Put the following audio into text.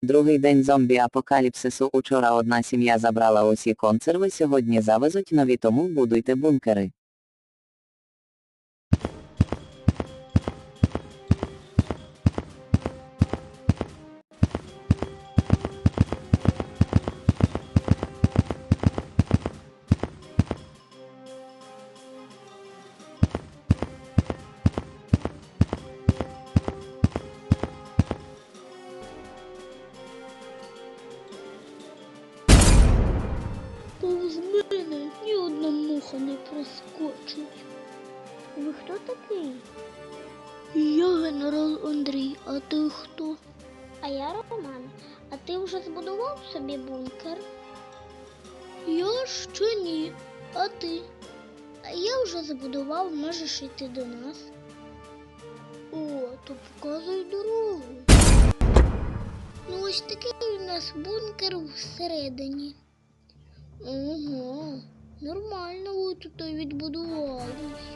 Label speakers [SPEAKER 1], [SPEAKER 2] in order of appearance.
[SPEAKER 1] Другий день зомбі-апокаліпсису. Учора одна сім'я забрала усі консерви, сьогодні завезуть нові, тому будуйте бункери.
[SPEAKER 2] Повз мене ні одна муха не проскочить.
[SPEAKER 3] Ви хто такий?
[SPEAKER 2] Я генерал Андрій, а ти хто?
[SPEAKER 3] А я Роман. А ти вже збудував собі бункер?
[SPEAKER 2] Я ще ні. А ти?
[SPEAKER 3] А я вже збудував, можеш йти до нас.
[SPEAKER 2] О, то показуй дорогу.
[SPEAKER 3] Ну ось такий у нас бункер всередині.
[SPEAKER 2] Ого, нормально ви тут відбудувались.